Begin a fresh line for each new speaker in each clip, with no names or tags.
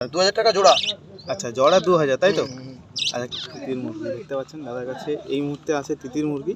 2000 টাকা জোড়া।
আচ্ছা, জোড়া 2000, তাই তো? আচ্ছা, তিতির মুরগি দেখতে পাচ্ছেন দাদার কাছে এই মুহূর্তে আছে তিতির মুরগি।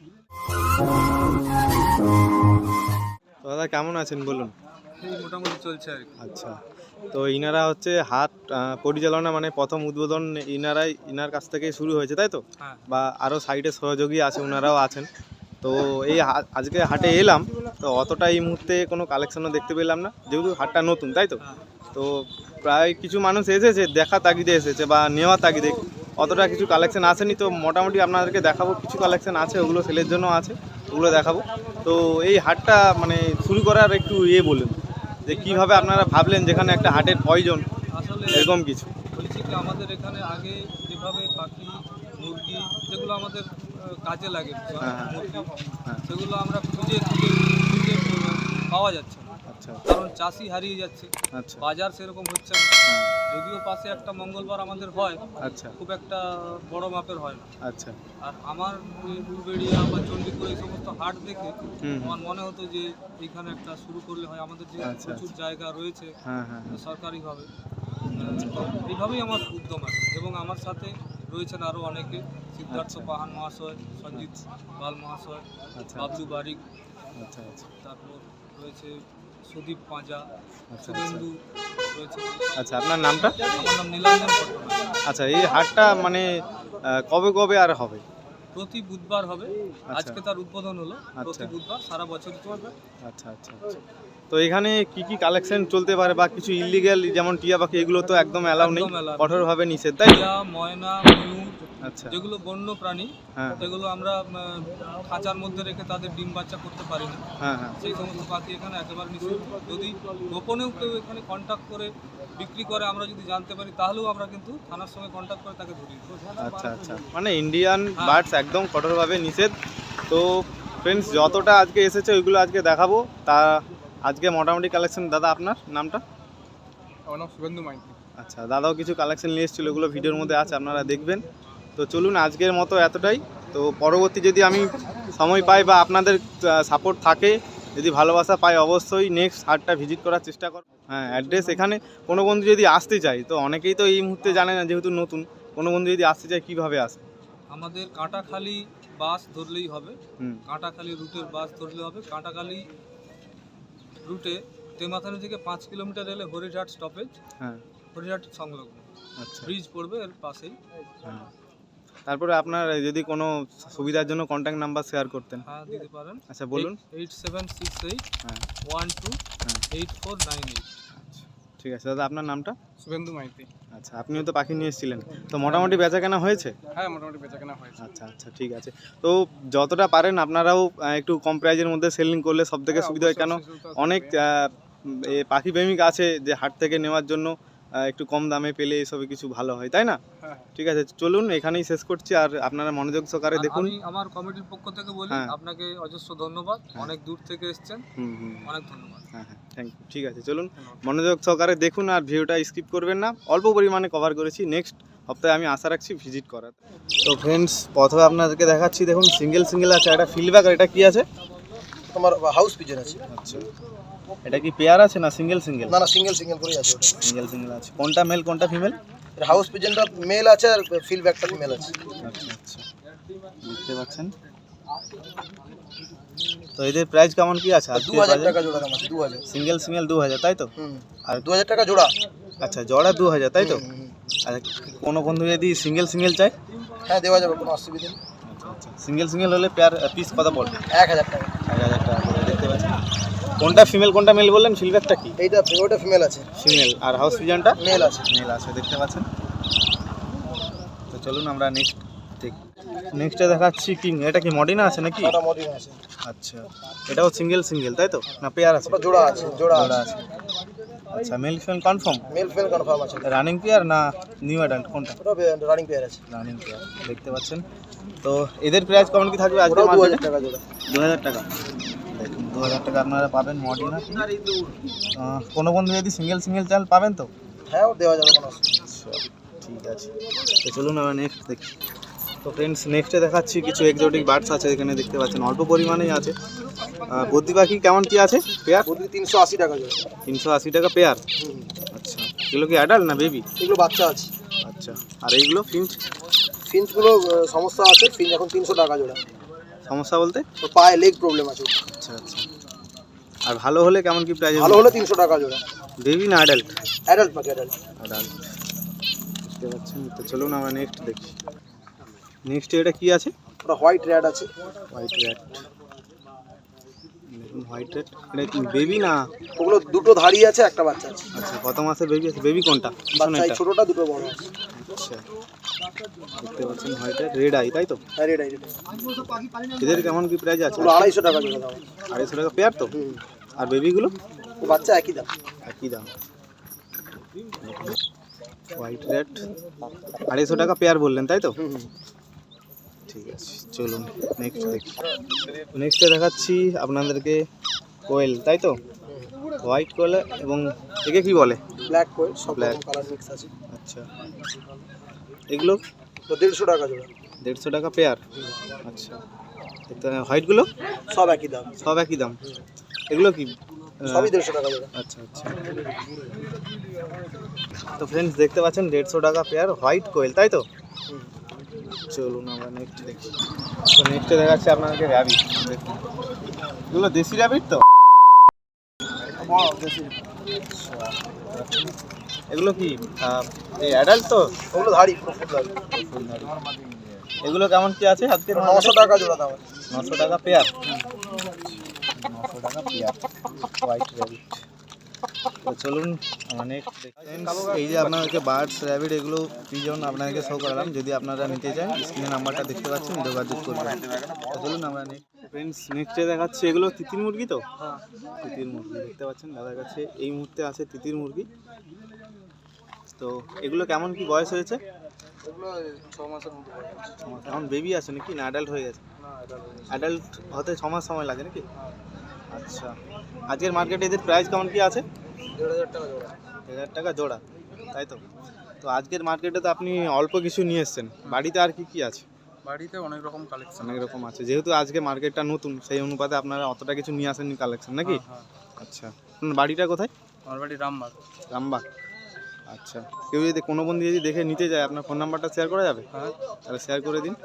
দাদা কেমন আছেন বলুন?
মোটামুটি চলছে আর কি।
আচ্ছা, তো ইনারা হচ্ছে হাট পরিচালনা মানে প্রথম উদ্বোধন ইনার কাছ থেকেই শুরু হয়েছে, তাই তো? বা আরও সাইডে সহযোগী আছে, ওনারাও আছেন। তো এই আজকে হাটে এলাম, তো অতটা এই মুহূর্তে কোনো কালেকশনও দেখতে পেলাম না, যেহেতু হাটটা নতুন, তাই তো? তো প্রায় কিছু মানুষ এসেছে দেখা তাগিদে এসেছে বা নেওয়া তাগিদে, অতটা কিছু কালেকশন আসেনি। তো মোটামুটি আপনাদেরকে দেখাবো, কিছু কালেকশন আছে, ওগুলো সেলের জন্য আছে, ওগুলো দেখাবো। তো এই হাটটা মানে শুরু করার একটু বলুন যে কীভাবে আপনারা ভাবলেন যেখানে একটা হাটের প্রয়োজন,
আসলে
এরকম কিছু।
বলছি কি, আমাদের এখানে আগে যেভাবে পাখি মুরগি যেগুলো আমাদের কাজে লাগে মুরগি, সেগুলো আমরা খুঁজে পাওয়া যাচ্ছে না।
আচ্ছা,
কারণ চাষি হারিয়ে যাচ্ছে,
আচ্ছা,
বাজার সেরকম হচ্ছে না। যদিও পাশে একটা মঙ্গলবার আমাদের হয়,
আচ্ছা,
খুব একটা বড় মাপের হয় না।
আচ্ছা,
আর আমার উলবেড়িয়া বা চণ্ডীপুর এই সমস্ত হাট দেখে আমার মনে হতো যে এইখানে একটা শুরু করলে হয়। আমাদের যে প্রচুর জায়গা রয়েছে সরকারিভাবে, তো এইভাবেই আমার উদ্যম আছে। এবং আমার সাথে রয়েছেন আরও অনেকে, সিদ্ধার্থ পাহান মহাশয়, সঞ্জিত পাল মহাশয়, বাবলু বারিক, তারপর রয়েছে সুদীপ পাঁজা, শুভেন্দু রয়েছে।
আচ্ছা, আপনার নামটা?
আমার নাম নীলাঞ্জন পট্টনায়ক।
আচ্ছা, এই হাটটা মানে কবে কবে আর হবে?
প্রতি বুধবার হবে। আজকে তার উদ্বোধন হলো। প্রতি বুধবার সারা বছরই চলবে।
আচ্ছা, আচ্ছা, আচ্ছা। তো এখানে কি কি কালেকশন চলতে পারে বা কিছু ইলিগ্যাল যেমন টিয়া পাখি, এগুলো তো একদম অ্যালাউ নেই, কঠোরভাবে নিষেধ, তাই?
টিয়া, ময়না, ময়ূর,
আচ্ছা,
যেগুলো বন্য প্রাণী, সেগুলো আমরা খাঁচার মধ্যে রেখে তাদের ডিম বাচ্চা করতে পারি না। সেই সমস্ত পাখি এখানে একেবারে নিষেধ। যদি গোপনেও কেউ এখানে কন্ট্যাক্ট করে বিক্রি করে, আমরা যদি জানতে পারি, তাহলেও আমরা কিন্তু থানার সঙ্গে কন্ট্যাক্ট করে তাকে ধরি।
আচ্ছা, আচ্ছা, মানে ইন্ডিয়ান বার্ডস একদম কঠোরভাবে নিষেধ। তো ফ্রেন্ডস, যতটা আজকে এসেছে ওইগুলো আজকে দেখাবো। তা আজকে মোটামুটি কালেকশন। দাদা আপনার নামটা?
আমার নাম শুভেন্দু মাইতি।
আচ্ছা, দাদাও কিছু কালেকশন নিয়ে এসেছিলো, ওগুলো ভিডিওর মধ্যে আছে, আপনারা দেখবেন। তো চলুন, আজকের মতো এতটাই। তো পরবর্তী যদি আমি সময় পাই বা আপনাদের সাপোর্ট থাকে, যদি ভালোবাসা পাই, অবশ্যই নেক্সট হাটটা ভিজিট করার চেষ্টা করব। অ্যাড্রেস এখানে কোনো বন্ধু যদি আসতে চাই, তো অনেকেই তো এই মুহূর্তে জানে না, যেহেতু নতুন, কোনো বন্ধু যদি আসতে চায় কীভাবে আসে?
আমাদের কাঁটাখালি বাস ধরলেই হবে। কাঁটাখালি রুটের বাস ধরলে হবে। কাঁটাখালি রুটে তেমাথানি থেকে 5 কিলোমিটার এলে হরিঘাট স্টপেজ, হরিঘাট সংলগ্ন। আচ্ছা, ব্রিজ পড়বে এর পাশেই।
তারপরে আপনার যদি কোনো সুবিধার জন্য কন্ট্যাক্ট নাম্বার শেয়ার করতেন?
হ্যাঁ, দিতে পারেন।
আচ্ছা, বলুন।
8768 12 8498।
আচ্ছা, ঠিক আছে দাদা, আপনার নামটা?
শুভেন্দু মাইতি।
আচ্ছা, আপনিও তো পাখি নিয়ে এসেছিলেন, তো মোটামুটি বেচাকেনা হয়েছে?
হ্যাঁ, মোটামুটি বেচাকেনা হয়েছে।
আচ্ছা, আচ্ছা, ঠিক আছে। তো যতটা পারেন আপনারাও একটু কম প্রাইজের মধ্যে সেলিং করলে সব থেকে সুবিধা হয়, কেন অনেক পাখি প্রেমিক আছে যে হাট থেকে নেওয়ার জন্য একটু কম দামে পেলে এসবে কিছু ভালো হয়, তাই না? ঠিক আছে, চলুন এখানেই শেষ করছি। আর আপনারা মনোযোগ সহকারে দেখুন।
আমি আমার কমিটির পক্ষ থেকে বলি, আপনাকে অজস্র ধন্যবাদ। অনেক দূর থেকে এসেছেন, অনেক ধন্যবাদ।
হ্যাঁ, থ্যাংক ইউ। ঠিক আছে, চলুন মনোযোগ সহকারে দেখুন আর ভিডিওটা স্কিপ করবেন না। অল্প পরিমাণে কভার করেছি, নেক্সট সপ্তাহে আমি আশা রাখছি ভিজিট করার। তো ফ্রেন্ডস, প্রথমে আপনাদেরকে দেখাচ্ছি, দেখুন সিঙ্গেল আছে, একটা ফিল্ডব্যাক, আর এটা কি আছে?
তোমার হাউস পিজন আছে।
আচ্ছা, এটা কি পেয়ার আছে না সিঙ্গেল?
না, সিঙ্গেল করেই আছে।
সিঙ্গেল আছে। কোনটা মেল কোনটা ফিমেল?
হাউস পিজনটা মেল আছে আর ফিল্ডব্যাকটা ফিমেল আছে।
আচ্ছা, আচ্ছা, দেখতে পাচ্ছেন। তো এদের প্রাইস কেমন কি আছে?
2000 টাকা জোড়া দাম আছে। 2000
সিঙ্গেল 2000, তাই তো?
আর 2000 টাকা জোড়া।
আচ্ছা, জোড়া 2000, তাই তো? আচ্ছা, কোনো বন্ধু যদি সিঙ্গেল চাই?
হ্যাঁ, দেওয়া যাবে, কোনো অসুবিধা নেই।
আচ্ছা, আচ্ছা, সিঙ্গেল হলে পেয়ার পিস কত পড়বে?
1000 টাকা।
1000 টাকা করে। দেখতে পাচ্ছেন কোনটা ফিমেল কোনটা মেল বললেন? ফিল্ডব্যাকটা কি?
ওটা ফিমেল আছে।
ফিমেল। আর হাউস পিজনটা
মেল আছে।
দেখতে পাচ্ছেন। তো চলুন আমরা নেক্সটে দেখাচ্ছি কিং। এটা কি মডিনা আছে নাকি?
এটা মডিনা আছে।
আচ্ছা, এটাও সিঙ্গেল তাই তো? না পেয়ার আছে?
ওটা জোড়া আছে।
আচ্ছা, male female confirm?
Male female confirm আছে।
রানিং পেয়ার না নিউ অ্যাডাল্ট কোনটা?
ওটা রানিং পেয়ার আছে।
রানিং পেয়ার, দেখতে পাচ্ছেন। তো এদের প্রাইস কেমন কি থাকবে আজকে?
2000 টাকা জোড়া।
2000 টাকা। দেখুন, 2000 টাকা আপনারা পাবেন মডিনা। কোনো বন্ধু যদি সিঙ্গেল চাল পাবেন তো?
হ্যাঁ, দেওয়া যাবে, কোনো অসুবিধা নেই।
আচ্ছা, ঠিক আছে। তো চলুন আমরা নেক্সট দেখি। তো ফ্রেন্ডস, নেক্সটে দেখাচ্ছি কিছু এক্সোটিক বার্ডস আছে, এখানে দেখতে পাচ্ছেন অল্প পরিমাণেই আছে। বদ্রি পাখি কেমন কি আছে পেয়ার?
বদ্রি 380 টাকা জোড়া।
380 টাকা পেয়ার। আচ্ছা, এগুলো কি অ্যাডাল্ট না বেবি?
এগুলো বাচ্চা আছে।
আচ্ছা, আর এইগুলো ফিঞ্চ?
ফিঞ্চগুলো সমস্যা আছে, ফিঞ্চ এখন 300 টাকা জোড়া।
সমস্যা বলতে?
তো পায়ে লেগ প্রবলেম আছে।
আচ্ছা আচ্ছা। আর ভালো হলে কেমন কি প্রাইস?
ভালো হলে 300 টাকা জোড়া।
বেবি না অ্যাডাল্ট?
অ্যাডাল্ট পাখি, অ্যাডাল্ট।
অ্যাডাল্ট, বুঝতে পারছেন। তো চলুন আমরা নেক্সট দেখি। নেক্সট এটা কি আছে?
ওটা হোয়াইট র্যাট আছে।
হোয়াইট র্যাট, দেখুন হোয়াইট র্যাট। এটা কি বেবি না?
ওগুলো দুটো ধাড়ি আছে, একটা বাচ্চা আছে।
আচ্ছা, কত মাসের বেবি আছে? বেবি কোনটা?
বাচ্চা এই ছোটটা, দুটো বড় আছে।
আচ্ছা, দেখতে পাচ্ছেন হোয়াইট র্যাট, রেড আই, তাই তো?
হ্যাঁ, রেড আই, রেড আই।
এদের কেমন কি প্রাইস আছে?
ওগুলো 250 টাকা জোড়া দাম।
250 টাকা পেয়ার তো? আর বেবিগুলো?
ও বাচ্চা একই দাম।
একই দাম। হোয়াইট র্যাট 250 টাকা পেয়ার বললেন, তাই তো? ঠিক আছে, চলুন নেক্সট দেখি। নেক্সটে দেখাচ্ছি আপনাদেরকে কোয়েল, তাই তো? হোয়াইট কোয়েল এবং একে কি বলে?
ব্ল্যাক কোয়েল, সব
Black।
কালার মিক্স আছে।
আচ্ছা, এগুলো
তো 150 টাকা জোড়া।
150 টাকা পেয়ার। আচ্ছা, হোয়াইটগুলো?
সব একই দাম।
সব একই দাম। এগুলো কি?
সবই 150 টাকা জোড়া।
আচ্ছা আচ্ছা। তো ফ্রেন্ডস দেখতে পাচ্ছেন 150 টাকা পেয়ার হোয়াইট কোয়েল, তাই তো? চলুন আমরা নেক্সট দেখি। তো নেক্সটে দেখাচ্ছে আপনাদেরকে র্যাবিট। দেখুন এগুলো দেশি র্যাবিট তো?
বড় দেশি।
এগুলো কি এই অ্যাডাল্ট তো?
ওগুলো ধাড়ি, পুরো ফুল ধাড়ি।
এগুলো কেমন কি আছে আজকে?
900 টাকা জোড়া দাম।
900 টাকা পেয়ার। 900 টাকা পেয়ার হোয়াইট র্যাবিট। তো চলুন আমরা নেক্সট দেখি। এই যে আপনাদেরকে বার্ডস, র্যাবিট, এগুলো পিজন আপনাদেরকে শো করালাম। যদি আপনারা নিতে চান স্ক্রিনে নাম্বারটা দেখতে পাচ্ছেন, যোগাযোগ করবেন। তো চলুন আমরা নেক্সট ফ্রেন্ডস নেক্সটে দেখাচ্ছি। এগুলো তিতির মুরগি তো?
হ্যাঁ,
তিতির মুরগি দেখতে পাচ্ছেন দাদার কাছে এই মুহূর্তে আছে তিতির মুরগি। তো এগুলো কেমন কি বয়স হয়েছে?
এগুলো 6 মাসের মতো বয়স।
এখন বেবি আছে নাকি না অ্যাডাল্ট হয়ে গেছে?
না,
অ্যাডাল্ট হতে 6 মাস সময় লাগে নাকি? আচ্ছা, আজকের মার্কেটে এদের প্রাইস কেমন কি আছে?
1,500 টাকা জোড়া।
1000 টাকা জোড়া, তাই তো? তো আজকের মার্কেটে তো আপনি অল্প কিছু নিয়ে এসেছেন, বাড়িতে আর কি কি আছে?
বাড়িতে অনেক রকম কালেকশন।
অনেক রকম আছে, যেহেতু আজকে মার্কেটটা নতুন সেই অনুপাতে আপনারা অতটা কিছু নিয়ে আসেননি কালেকশন নাকি? আচ্ছা, আপনার বাড়িটা কোথায়?
আমার বাড়ি রামবাগ।
রামবাগ। আচ্ছা, কেউ যদি কোনো বন্ধু যদি দেখে নিতে যায় আপনার ফোন নাম্বারটা শেয়ার করা যাবে?
হ্যাঁ,
তাহলে শেয়ার করে দিন।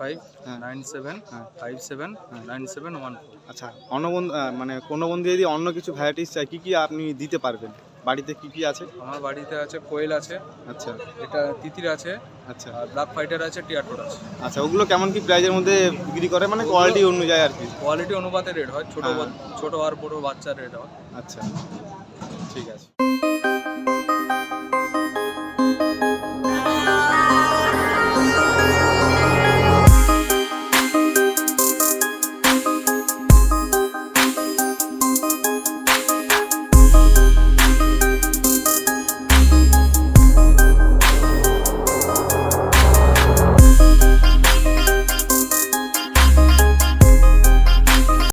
8597575714।
আচ্ছা, অন্য বন্ধু মানে কোনো বন্ধু যদি অন্য কিছু ভ্যারাইটিস চাই, কি কি আপনি দিতে পারবেন? বাড়িতে কি কি আছে?
আমার বাড়িতে আছে কোয়েল আছে,
আচ্ছা
এটা তিতির আছে,
আচ্ছা
আর ব্ল্যাক ফাইটার আছে, টিয়াটোর আছে।
আচ্ছা, ওগুলো কেমন কি প্রাইজের মধ্যে বিক্রি করে, মানে কোয়ালিটি অনুযায়ী আর কি?
কোয়ালিটি অনুপাতে রেট হয়, ছোট
হ্যাঁ।
ছোট আর বড় বাচ্চার রেট হয়।
আচ্ছা, ঠিক আছে।